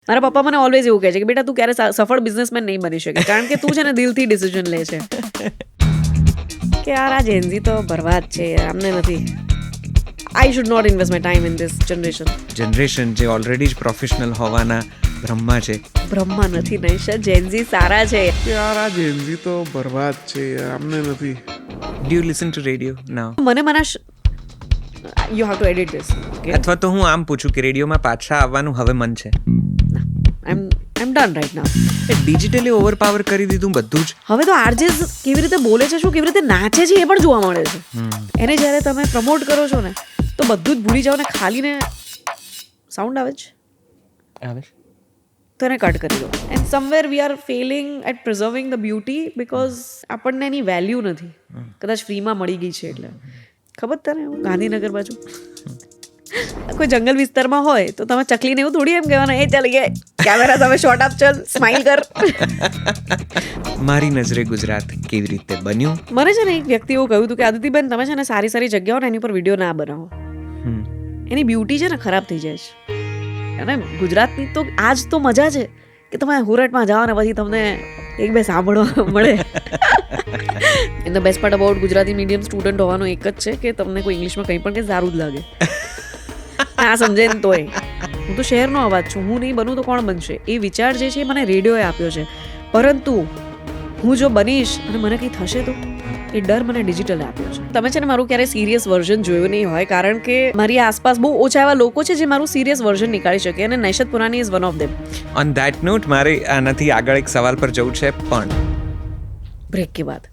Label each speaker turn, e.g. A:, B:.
A: મારા પપ્પા મને ઓલવેઝ એવું કહે છે કે બેટા તું ક્યારે સફળ બિઝનેસમેન નહીં બની શકે, કારણ કે તું છે ને દિલથી ડિસિઝન લે છે કે યાર આ જેન્ઝી તો બરબાદ છે, આમને નથી. I should not invest my time in this
B: generation જે ઓલરેડી જ પ્રોફેશનલ હોવાના બ્રહ્મા છે.
A: બ્રહ્મા નથી નૈશા, જેન્ઝી સારા છે.
C: યાર આ જેન્ઝી તો બરબાદ છે, આમને નથી.
B: Do you listen to radio now?
A: મને you have to edit this.
B: અથવા તો હું આમ પૂછું કે રેડિયોમાં પાછા આવવાનું હવે મન છે?
A: I am done right now.
B: Digitally overpower કરી દીધું બધું જ.
A: હવે તો આરજેસ કેવી રીતે બોલે છે, શું કેવી રીતે નાચે છે એ પણ જોવા મળે છે. એને જ્યારે તમે પ્રમોટ કરો છો ને તો બધું જ ભૂલી જાઓ ને ખાલી ને સાઉન્ડ આવે છે તો એને કટ કરી દો. And somewhere we are failing at preserving the beauty because આપણને એની વેલ્યુ નથી. કદાચ ફ્રીમાં મળી ગઈ છે એટલે. ખબર તને ગાંધીનગર બાજુ કોઈ જંગલ વિસ્તારમાં હોય તો તમે ચકલીને એવું થોડી એમ કહેવાના એ ચાલ ગયા કેમેરા તમે શોટ આપ, ચલ સ્માઇલ કર.
B: મારી નજરે ગુજરાત કેવી રીતે બન્યું?
A: મને છે ને એક વ્યક્તિ એવું કહ્યું હતું કે આદિતિબેન તમે છે ને સારી સારી જગ્યાઓ ને એની પર વિડીયો ના બનાવો, એની બ્યુટી છે ને ખરાબ થઈ જાય છે. અને ગુજરાતની તો આજ તો મજા છે કે તમે હુરટમાં જાઓ ને પછી તમને એક બે સાંભળવા મળે. In the best part about Gujarati medium student હોવાનો એક જ છે કે તમને કોઈ ઇંગ્લિશમાં કંઈ પણ કે સારું જ લાગે. આ સમજે ને તોય હું તો શહેરનો અવાજ છું, હું નહીં બનું તો કોણ બનશે? એ વિચાર જે છે મને રેડિયોએ આપ્યો છે. પરંતુ હું જો બનીશ અને મને કંઈ થશે તો એ ડર મને ડિજિટલે આપ્યો છે. તમે છે ને મારું ક્યારેય સિરિયસ વર્ઝન જોયું નહીં હોય, કારણ કે મારી આસપાસ બહુ ઓછા એવા લોકો છે જે મારું સિરિયસ વર્ઝન નીકાળી શકે, અને નૈશત પુરાની is one of them.
B: On that note મારે આનાથી આગળ એક સવાલ પર જવું છે, પણ
A: બ્રેક કે બાદ